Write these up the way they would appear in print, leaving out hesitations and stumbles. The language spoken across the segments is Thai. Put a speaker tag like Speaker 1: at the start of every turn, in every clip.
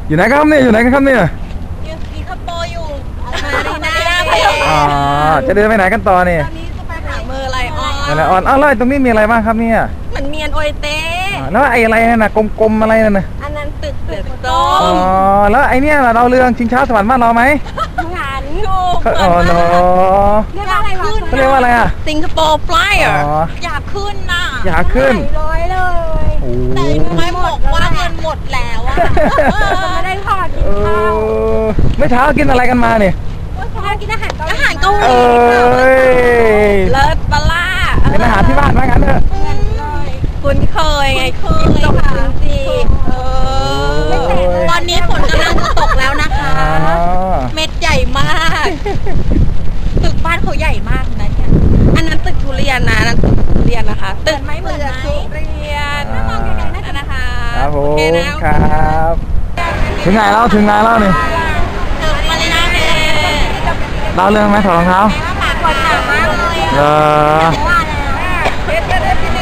Speaker 1: อยู่ไหนครับเนี่ยอยู่ไหนกันครับเนี่ย
Speaker 2: อยู่สิงคโปร์อยู่มารีนาเบย์
Speaker 1: อ๋อจะเดินไปไหนกันต่อเนี่ย
Speaker 2: ตอนนี้จะไปหาเมอร์ไลออน
Speaker 1: อะไรออนอ้าวแล้วตรงนี้มีอะไรบ้างครับเนี่ย
Speaker 2: เหมือนเมียนโอยเต้
Speaker 1: แล้วไอ้อะไรนั่นน่ะกลมๆอะไรนั่นน่ะ
Speaker 2: อันนั้นตึกเสือโต
Speaker 1: อ๋อแล้วไอ้เนี่ยล่ะดาวเรืองชิงช้าสวรรค์บ้านเราไหม
Speaker 2: งานถูก
Speaker 1: อ๋อเนาะ
Speaker 2: เรียกว่าอะไรขึ้น
Speaker 1: เขาเรียกว่าอะไรอ่ะ
Speaker 2: สิงคโปร์ฟลายเออร์
Speaker 1: อ๋อ
Speaker 2: อยากขึ้นน่ะ
Speaker 1: อยากขึ้น
Speaker 2: ร้อยเลย
Speaker 1: โอ้
Speaker 2: แต่ไม่บอกว่าเงินหมดแล้วอะไม่ได้พอกิน
Speaker 1: เอ
Speaker 2: ข้าว
Speaker 1: อไม่เช้ากินอะไรกันมาเนี่ย
Speaker 2: กินอาหารเกาหลี
Speaker 1: เอ้ย
Speaker 2: เลิศปลาล่า
Speaker 1: เป็นอาหารที่บ้านว่างั้นเถอะ
Speaker 2: คุ้นเคยไงกินตกจริงตอนนี้ฝนกำลังจะตกแล้วนะคะ
Speaker 1: อ๋อ
Speaker 2: เม็ดใหญ่มาก ตึกบ้านเขาใหญ่มากนะเนี่ยอันนั้นตึกทุเรียนนะนั่นตึกทุเรียนนะคะตึกไม่เหมือนทุเรียนมองไกลๆนั่นนะคะ
Speaker 1: ครับผ
Speaker 2: โอ
Speaker 1: ม
Speaker 2: เคนะ
Speaker 1: ครับ ถึงไหนแล้วถึงไหนแล้วนี่
Speaker 2: ตึกมาเลยนะเมย์
Speaker 1: ดาวเรืองไหมถอดรองเท้า
Speaker 2: ปากคนหนามากเลย
Speaker 1: เออ
Speaker 2: ว่าแล้ว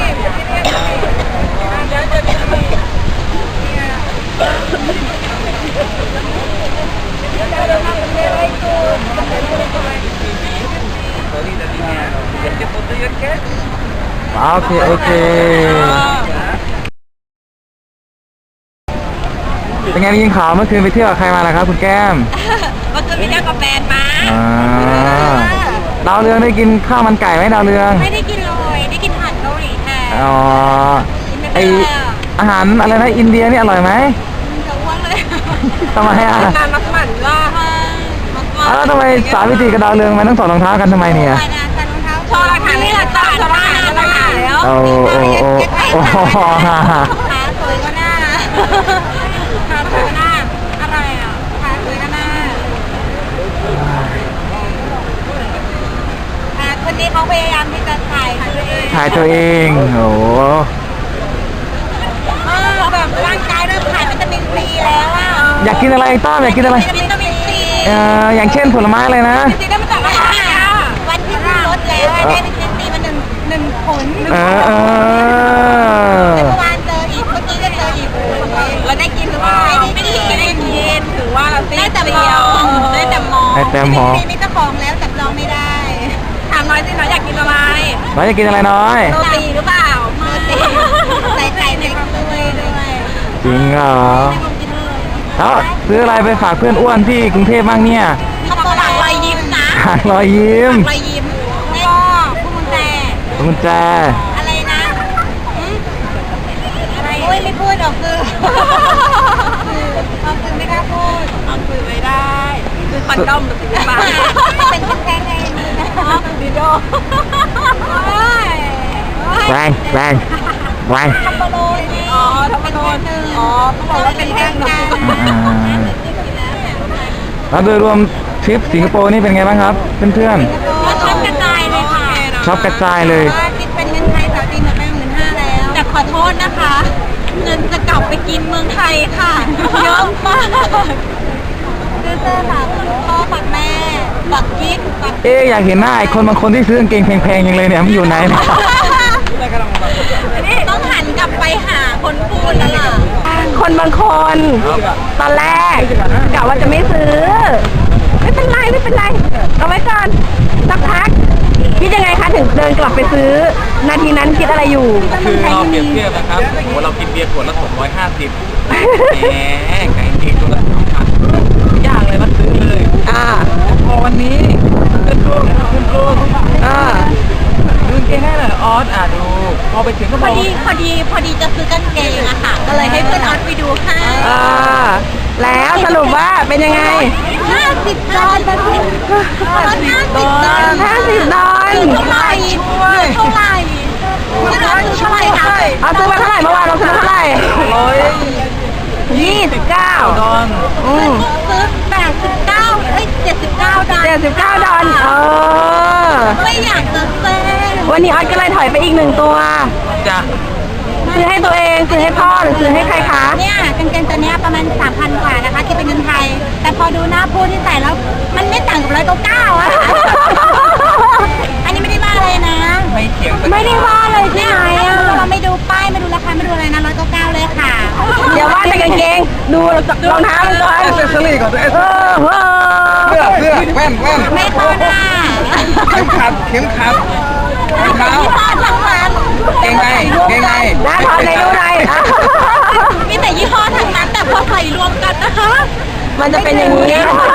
Speaker 1: โอเคโอเคเป็นไงได้ยินข่าวเมื่อคืนไปเที่ยวกับใครมาล่ะครับคุณแก้ม
Speaker 2: เมื่อคืนไปเที่ยวกับแฟนมา
Speaker 1: อ่าดาวเรืองได้กินข้าวมันไก่ไหมดาวเรือง
Speaker 2: ไม่ได้กินเลยได้กินอาหารเกาหลีแทน
Speaker 1: อ๋อ
Speaker 2: กินไม่
Speaker 1: ไอ
Speaker 2: เป็นเลยอะ
Speaker 1: อาหารอะไรนะอินเดียนี่อร่อยไหม
Speaker 2: จะอ้วนเลย
Speaker 1: ทำไมอ่ะ
Speaker 2: งานมักหมั่นว่ามักหมั่น
Speaker 1: อ้าวทำไมสาวิตรีกับดาวเรืองมันต้องถอดรองเท้ากันทำไมเนี่ย
Speaker 2: ใส่รองเท้าชอบหลักฐานนี่หลักฐานแล้ว
Speaker 1: โอ้โอ้โอ้โอ้
Speaker 2: ขาสวยก็หน้าขาสวยก็หน้าอะไรอ่ะขาสวยก็หน้าคนนี้เขาพยายามที่จะถ่ายตัวเอง
Speaker 1: ถ่ายตัวเองโอ้
Speaker 2: แบบร่างกายเริ่มขาดวิตามินซีแล้วอ่ะ
Speaker 1: อยากกินอะไรต้อมอยากกินอะไร
Speaker 2: วิตามินซี
Speaker 1: อย่างเช่นผลไม้อะไรนะ
Speaker 2: จริงๆได้มาจากอาหารวันที่ลดแล้วได้วิตามินซีมาหนึ่งผล
Speaker 1: เออเออ
Speaker 2: เมื่อวานเจออีกเมื่อกี้ก็เจออีกเราได้กินหรือเปล่าไม่ได้กินถือว่าเราได้แต่มองได้แต่มอง
Speaker 1: ให้แต้มหอ
Speaker 2: มีเจ้าของแล้วจับจองไม่ได้ถามน้อยสิน้อยอยากกินอะไร
Speaker 1: น้อยจะกินอะไรน้อย
Speaker 2: โรตีหรือเปล่าโรตีใส่ไข่ในด้วย
Speaker 1: จริงเหรอแล้วซื้ออะไรไปฝากเพื่อนอ้วนที่กรุงเทพบ้างเนี่ย
Speaker 2: เขาบอกหลังรอยยิ้มนะ
Speaker 1: หารอยยิ้ม
Speaker 2: รอยยิ้มแล้วก็พวงกุญแจ
Speaker 1: กุญแจ
Speaker 2: อะไรนะอะไรโอ้ยไม่พูดออกสื่อออกสื่อไม่กล้าพูดออกสื่อไม่ได้คือคอนดอมหรือสิ่งบ้าเป็นแค่ไงนี่นะดิโด
Speaker 1: แรงแรงแรง
Speaker 2: ทัมโบโลนี่อ๋อทัมโบโลอ๋อเขาบอกว่าเป็นแท่งกัน
Speaker 1: แล้วโดยรวมทริปสิงคโปร์นี่เป็นไงบ้างครับเพื่อน
Speaker 2: ชอบกระจายเลยค่ะ
Speaker 1: ๆชอบกระจายเลย
Speaker 2: คิดเป็นเงินไทยสาวจีนหมดไป15,000แล้วแต่ขอโทษนะคะ เงินจะกลับไปกินเมืองไทยค่ะเยอะมากซื้อเสื้อฝากพ่อฝากแม่ฝากกิ๊กฝาก
Speaker 1: เอ๊ะอยากเห็นหน้าไอ้คนบางคนที่ซื้อกางเกงแพงๆอย่างเลยเนี่ยมันอยู่ไหนเนี่ย
Speaker 2: ต้องหันกลับไปหาคนพูดแล้วล่ะ
Speaker 3: คนบางคนตอนแรกกะว่าจะไม่ซื้อ ไม่เป็นไรไม่เป็นไรเอาไว้ก่อนสักพักคิดยังไงคะถึงเดินกลับไปซื้อ นาทีนั้นคิดอะไรอยู่
Speaker 4: คือเราเปรียบเทียบนะครับโอ้โหเรากินเบียร์ขวดละ250แหมไก่กินตัวละ2,000ยากเลยมาซื้อเลย
Speaker 3: อ่า
Speaker 4: พอวันนี้ขึ้นรูป
Speaker 3: อ่า
Speaker 4: ดูเกงให้หน่อยออสดูพอไปถึงก็
Speaker 2: พ
Speaker 4: บ
Speaker 2: อ
Speaker 4: อก
Speaker 2: ดีจะซื้อกางเกงอะค่ะ ก็เลยให้เพื่อนออสไปดูให้
Speaker 3: อ่าแล้วสรุปว่าเป็นยังไง
Speaker 2: 50 ดอลลาร์50 ดอลลาร์
Speaker 3: 50 ดอล
Speaker 2: เท่าไหร่เท่าไหร่เท่าไหร่คะ
Speaker 3: เอาซื้อมาเท่าไหร่เมื่อวานเราซื้อมาเท่าไหร่ 29
Speaker 4: ดอน
Speaker 3: อืม
Speaker 2: ซื้อ89เอ้ย79 ดอลลาร์
Speaker 3: 79 ดอล
Speaker 2: ไม่อยากจะเซ่
Speaker 3: วันนี้ออสก็เลยถอยไปอีก1 ตัว
Speaker 4: จ้ะ
Speaker 3: ซื้อให้ตัวเองซื้อให้พ่อหรือซื้อให้ใครคะ
Speaker 2: เนี่ยกางเกงตัวเนี้ยประมาณ 3,000 กว่านะคะคิดเป็นเงินไทย แต่พอดูหน้าผู้ที่ใส่แล้ว มันไม่ต่างกับ199อะอันนี้ไม่ได้ว่าเลยนะ
Speaker 4: ไม่เถียง
Speaker 3: ไม่ได้ว่าเลยใช่
Speaker 2: เนี่ย
Speaker 3: ไหม
Speaker 2: ถ้า
Speaker 3: อ่ะ
Speaker 2: เราไม่ดูป้ายไม่ดูราคาไม่ดูอะไรนะ199เลยค่ะ
Speaker 3: เดี๋ยวว่าแต่กางเกงดูรองเท้ามันก่อน
Speaker 1: เอเซอรี่ก่อนเอเซ
Speaker 3: เอ
Speaker 1: อ
Speaker 3: อ
Speaker 1: เสื้อแว่น
Speaker 2: ไม่เข้าหน้า
Speaker 1: เข็มขัดรองเท้า
Speaker 2: ยี่ห้อทั้งนั้น
Speaker 1: เกงใน
Speaker 3: หน้าทอนในดูหน่อยอ่ะ
Speaker 2: มีแต่ยี่ห้อทั้งนั้นแต่พอใส่รวมกันนะคะ
Speaker 3: มันจะเป็นอย่างนี้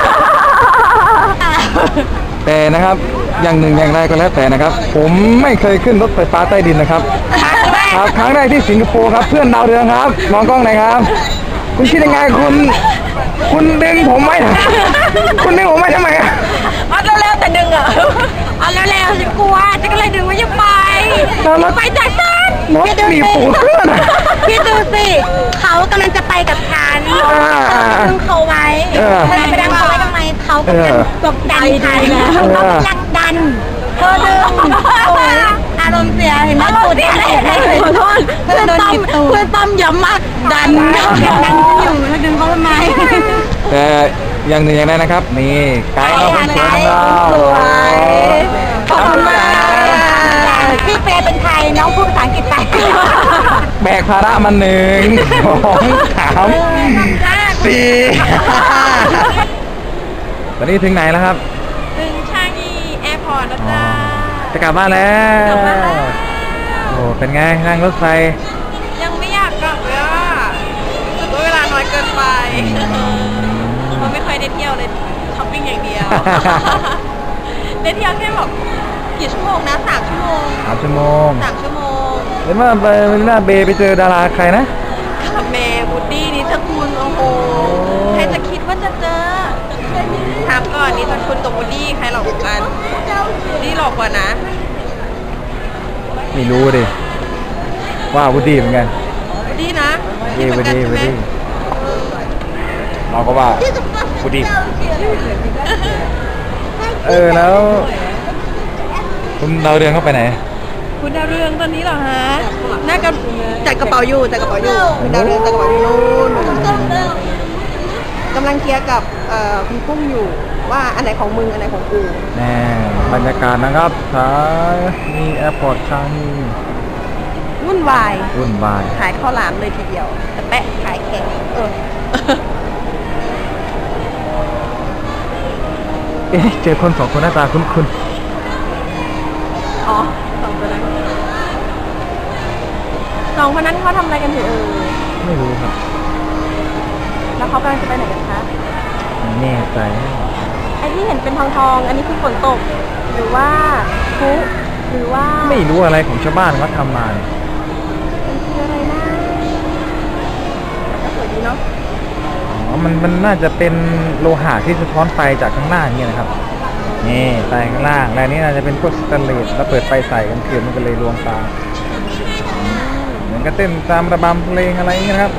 Speaker 1: แต่นะครับอย่างหนึ่งอย่างใดก็แล้วแต่นะครับ ผมไม่เคยขึ้นรถไฟฟ้าใต้ดินนะครับครับครั้งแรกที่สิงคโปร์ครับเพื่อนดาวเรืองครับมองกล้องหน่อยครับ คุณคิดยังไงคุณดึงผมไว้คุณดึงผมไว้ทำไมอะ
Speaker 3: เอาเร็วๆแต่ดึงอ่ะ
Speaker 2: เอาแล้วฉันกลัวฉันก็เลยดึงว่าอย่าไป
Speaker 1: แล้วรถ
Speaker 2: ไปจากฉัน
Speaker 1: รถมีปูเพื่อนอะ
Speaker 2: พี่ดูสิเขากำลังจะไปกับฉันดึงเขาไว้เธอไปดันเขาไว้ทำไมเขากำลังกดดันฉันเขากำลังดันเธอดึงโอ้ยอารมณ์เสียเห็นไหมตูดอะไรเห็นไหมขอโทษเพื่อนต้อมย้ำมากดันฉันอยู่เธอดึงเขาทำไม
Speaker 1: แต่อย่างหนึ่งอย่างใดนะครับ นี่ไกด์เราคนสวยของเรา
Speaker 3: สวยขอบคุณมาก
Speaker 2: พี่เฟย์เป็นใครน้องพูดภาษาอังกฤษไป
Speaker 1: แบกภาระมา1 2 3 4 ตอนนี้ถึงไหนแล้วครับ
Speaker 2: ถึงชางยีแอร์พอร์ตแล้วจ้า
Speaker 1: จะกลับบ้านแล้ว
Speaker 2: กลับบ้านแล้ว
Speaker 1: โอ้เป็นไงนั่งรถไฟ
Speaker 2: ยังไม่อยากกลับเลยอ่ะรู้สึกว่าเวลาน้อยเกินไปมันไม่ค่อยได้เที่ยวเลยช้อปปิ้งอย่างเดียว ได้เที่ยวแค่แบบกี่ชั่วโมงนะ3 ชั่วโมง
Speaker 1: 3 ชั่วโมง
Speaker 2: 3 ชั่วโมง
Speaker 1: เห็นว่าไปหน้าเบย์ไปเจอดาราใครนะ
Speaker 2: กับเมย์บูดดี้นิชคุณโอ้โหใครจะคิดว่าจะเจอถามก่อนนิชคุณกับบูดดี้ใครหลอกกว่ากันบูดดี้หลอกกว่านะ
Speaker 1: ไม่รู้ดิว่าวุฒิเหมือนกัน
Speaker 2: บูดดี้นะ
Speaker 1: วุฒิ
Speaker 2: เหมือนกันใช่ไหม
Speaker 1: เราก็ว่าวุฒิแล้วคุณดาวเรืองเข้าไปไหน
Speaker 2: คุณดาวเรืองตอนนี้เหรอฮะน่าจะจัดกระเป๋าอยู่คุณดาวเรืองจัดกระเป๋าอยู่นู่นกำลังเคลียร์กับคุณกุ้งอยู่ว่าอันไหนของมึงอันไหนของกู
Speaker 1: แน่บรรยากาศนะครับสายมีแอร์พอร์ตชางนี
Speaker 2: วุ่นวาย
Speaker 1: วุ่นวาย
Speaker 2: ขายข้าวหลามเลยทีเดียวแต่แปะขายแข็ง
Speaker 1: เจอคน2 คนหน้าตาคุ้น
Speaker 3: อ๋อสองคนนั้นเขาทำอะไรกันอยู่
Speaker 1: ๆไม่รู้ครับ
Speaker 3: แล้วเขากำลังจะไปไหนกันคะ
Speaker 1: ไม่แน่ใจ
Speaker 3: ไอ้ที่เห็นเป็นทองอันนี้คือฝนตก หรือว่าพลุหรือว่า
Speaker 1: ไม่รู้อะไรของชาวบ้านเขาทำมาเนี่ย
Speaker 3: มันคืออะไรนะสวยดีเนาะ
Speaker 1: อ๋อมันน่าจะเป็นโลหะที่สะท้อนไฟจากข้างล่างเนี่ยนะครับนี่ไฟข้างล่างและนี้น่าจะเป็นพวกสแตนเลสแล้วเปิดไฟใส่กันเกิดมันก็เลยรวมตาเหมือนกับเต้นตามระบำเพลงอะไรอย่างเงี้ยนะครับ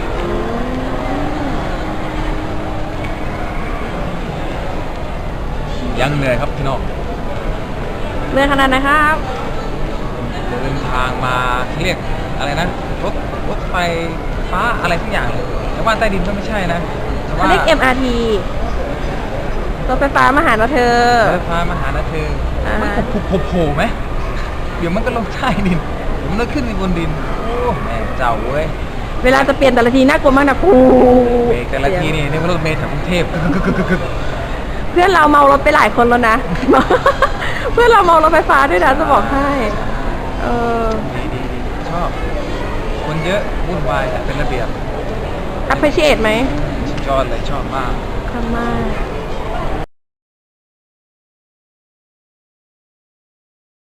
Speaker 1: ยังเหนื่อยครับพี่น้อง
Speaker 3: เรื่องขนาดนะครับ
Speaker 1: เดินทางมาเรียกอะไรนะรถไฟฟ้าอะไรทุกอย่างเลยแต่ว่าใต้ดินก็ไม่ใช่นะแต่
Speaker 3: เขา
Speaker 1: ว่า
Speaker 3: เรียก MRT รถไฟฟ้ามาหาเราเธอ
Speaker 1: รถไฟฟ้ามาหานะเธอ
Speaker 3: อ่ามั
Speaker 1: มันโผล่ไหมเดี๋ยวมันก็ลงใต้ดินเดี๋ยวมันก็ขึ้นไปบนดินโอ้แม่เจ้าเว้ย
Speaker 3: เวลาจะเปลี่ยนแต่ละทีน่ากลัวมากนะครู
Speaker 1: เบรกแต่ละทีนี่มันรถเมล์แถวกรุงเทพ
Speaker 3: เพื่อนเราเมารถไปหลายคนแล้วนะ เพื่อนเราเมารถไฟฟ้าด้วยนะจะบอกให้เออ
Speaker 1: ดีชอบ คนเยอะวุ่นวายแต่เป็นระเบียบ
Speaker 3: appreciate ไหม
Speaker 1: สุดยอดเลยชอบมาก
Speaker 3: ขอบคุณมาก